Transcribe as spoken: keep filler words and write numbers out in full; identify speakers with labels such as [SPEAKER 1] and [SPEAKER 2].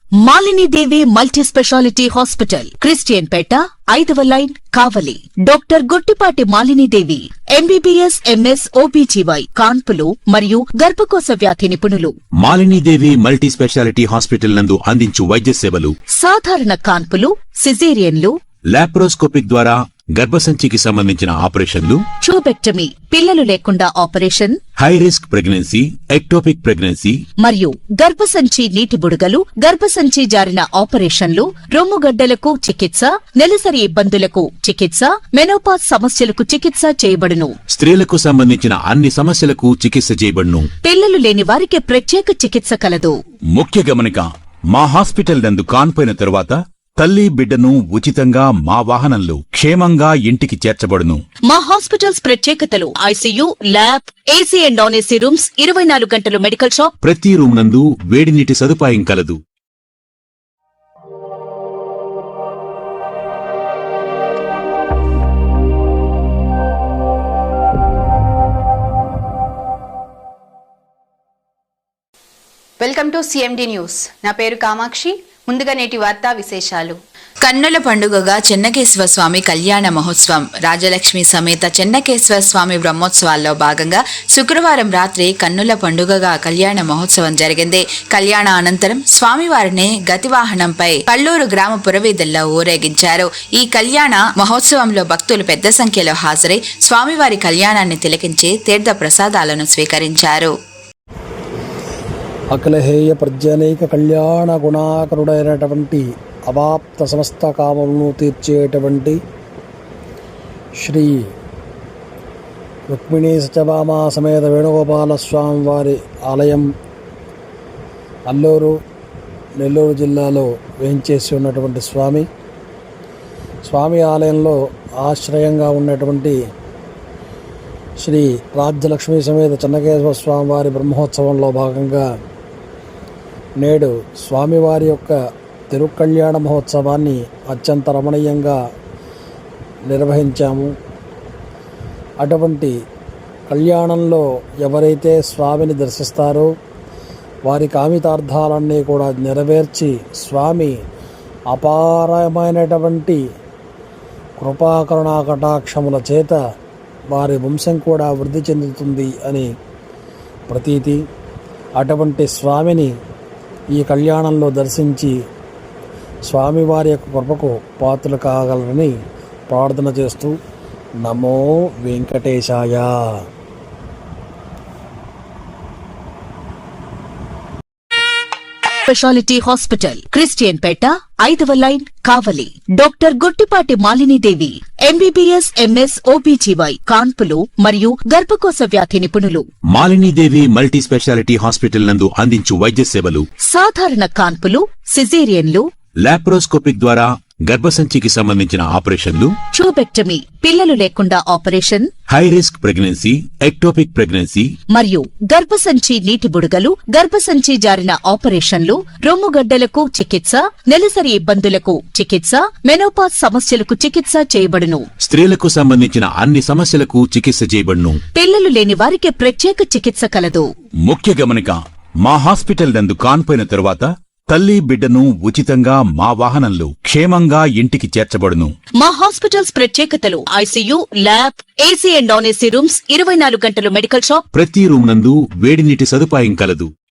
[SPEAKER 1] Malini Devi multi speciality hospital, Christian Peta, ఐదవ line, Kavali. Doctor Guttipati Malini Devi, MBBS, MS, OBGY, కాన్పులు మరియు గర్భకోశ వ్యాధి నిపుణులు.
[SPEAKER 2] Malini Devi multi speciality hospital నందు అందించు వైద్య సేవలు:
[SPEAKER 1] సాధారణ కాన్పులు, సిజేరియన్లు,
[SPEAKER 2] లాప్రోస్కోపిక్ ద్వారా గర్భసంచికి సంబంధించిన ఆపరేషన్లు,
[SPEAKER 1] ట్యూబెక్టమీ, పిల్లలు లేకుండా operation,
[SPEAKER 2] high risk pregnancy, ectopic pregnancy
[SPEAKER 1] మరియు గర్భసంచి నీటి బుడగలు, గర్భసంచి జారిన ఆపరేషన్లు, రొమ్ముగడ్డలకు చికిత్స, నెలసరి ఇబ్బందులకు చికిత్స, మెనోపాజ్ సమస్యలకు చికిత్స చేయబడును.
[SPEAKER 2] స్త్రీలకు సంబంధించిన అన్ని సమస్యలకు చికిత్స చేయబడును.
[SPEAKER 1] పిల్లలు లేని వారికి ప్రత్యేక చికిత్స కలదు.
[SPEAKER 2] ముఖ్య గమనిక: మా హాస్పిటల్ నందు కాన్పోయిన తరువాత తల్లి బిడ్డను ఉచితంగా మా వాహనంలో క్షేమంగా ఇంటికి చేర్చబడును.
[SPEAKER 1] మా హాస్పిటల్స్ ప్రత్యేకతలు: ICU, lab, AC and non AC rooms, ఇరవై నాలుగు గంటలు మెడికల్ షాప్,
[SPEAKER 2] ప్రతి రూమ్ నందు వేడి నీటి సదుపాయం కలదు.
[SPEAKER 3] Welcome to CMD news. నా పేరు కామాక్షి. ముందుగా నేటి వార్తా విశేషాలు.
[SPEAKER 4] కన్నుల పండుగగా చెన్నకేశ్వర స్వామి కళ్యాణ మహోత్సవం. రాజలక్ష్మి సమేత చెన్నకేశ్వర స్వామి బ్రహ్మోత్సవాల్లో భాగంగా శుక్రవారం రాత్రి కన్నుల పండుగగా కళ్యాణ మహోత్సవం జరిగింది. కళ్యాణ అనంతరం స్వామివారిని గతివాహనంపై కల్లూరు గ్రామ పురవీధుల్లో ఊరేగించారు. ఈ కళ్యాణ మహోత్సవంలో భక్తులు పెద్ద సంఖ్యలో హాజరై స్వామివారి కళ్యాణాన్ని తిలకించి తీర్థ ప్రసాదాలను స్వీకరించారు.
[SPEAKER 5] అఖిలహేయ ప్రజ్ఞనైక కళ్యాణ గుణాకరుడైనటువంటి అవాప్త సమస్త కామములను తీర్చేటువంటి శ్రీ రుక్మిణీ సత్యభామ సమేత వేణుగోపాల స్వామి వారి ఆలయం అల్లూరు, నెల్లూరు జిల్లాలో వేయించేసి ఉన్నటువంటి స్వామి స్వామి ఆలయంలో ఆశ్రయంగా ఉన్నటువంటి శ్రీ రాజ్యలక్ష్మి సమేత చెన్నకేశ్వర స్వామి వారి బ్రహ్మోత్సవంలో భాగంగా నేడు స్వామివారి యొక్క తిరుకళ్యాణ మహోత్సవాన్ని అత్యంత రమణీయంగా నిర్వహించాము. అటువంటి కళ్యాణంలో ఎవరైతే స్వామిని దర్శిస్తారో వారి కామితార్థాలన్నీ కూడా నెరవేర్చి స్వామి అపారమైనటువంటి కృపాకరుణా కటాక్షముల చేత వారి వంశం కూడా వృద్ధి చెందుతుంది అని ప్రతీతి. అటువంటి స్వామిని ఈ కళ్యాణంలో దర్శించి స్వామివారి యొక్క కృపకు పాత్రలు కాగలరని ప్రార్థన చేస్తూ నమో వెంకటేశాయ.
[SPEAKER 1] స్పెషాలిటీ హాస్పిటల్, క్రిస్టియన్ పేట, ఐదవ line, Kavali. Doctor Guttipati Malini Devi, MBBS, MS, OBGY, కాన్పులు మరియు గర్భకోశ వ్యాధి నిపుణులు.
[SPEAKER 2] Malini Devi multi speciality hospital నందు అందించు వైద్య సేవలు:
[SPEAKER 1] సాధారణ కాన్పులు, సిజేరియన్లు,
[SPEAKER 2] లాప్రోస్కోపిక్ ద్వారా గర్భసంచికి సంబంధించిన ఆపరేషన్లు,
[SPEAKER 1] ట్యూబెక్టమీ, పిల్లలు లేకుండా operation,
[SPEAKER 2] high risk pregnancy, ectopic pregnancy
[SPEAKER 1] మరియు గర్భసంచి నీటి బుడగలు, గర్భసంచి జారిన ఆపరేషన్లు, రొమ్ముగడ్డలకు చికిత్స, నెలసరి ఇబ్బందులకు చికిత్స, మెనోపాజ్ సమస్యలకు చికిత్స చేయబడును.
[SPEAKER 2] స్త్రీలకు సంబంధించిన అన్ని సమస్యలకు చికిత్స చేయబడును.
[SPEAKER 1] పిల్లలు లేని వారికి ప్రత్యేక చికిత్స కలదు.
[SPEAKER 2] ముఖ్య గమనిక: మా హాస్పిటల్ నందు కాన్పోయిన తరువాత తల్లి బిడ్డను ఉచితంగా మా వాహనంలో క్షేమంగా ఇంటికి చేర్చబడును.
[SPEAKER 1] మా హాస్పిటల్స్ ప్రత్యేకతలు: ICU, lab, AC and non AC rooms, ఇరవై నాలుగు గంటలు మెడికల్ షాప్,
[SPEAKER 2] ప్రతి రూమ్ నందు వేడి నీటి సదుపాయం కలదు.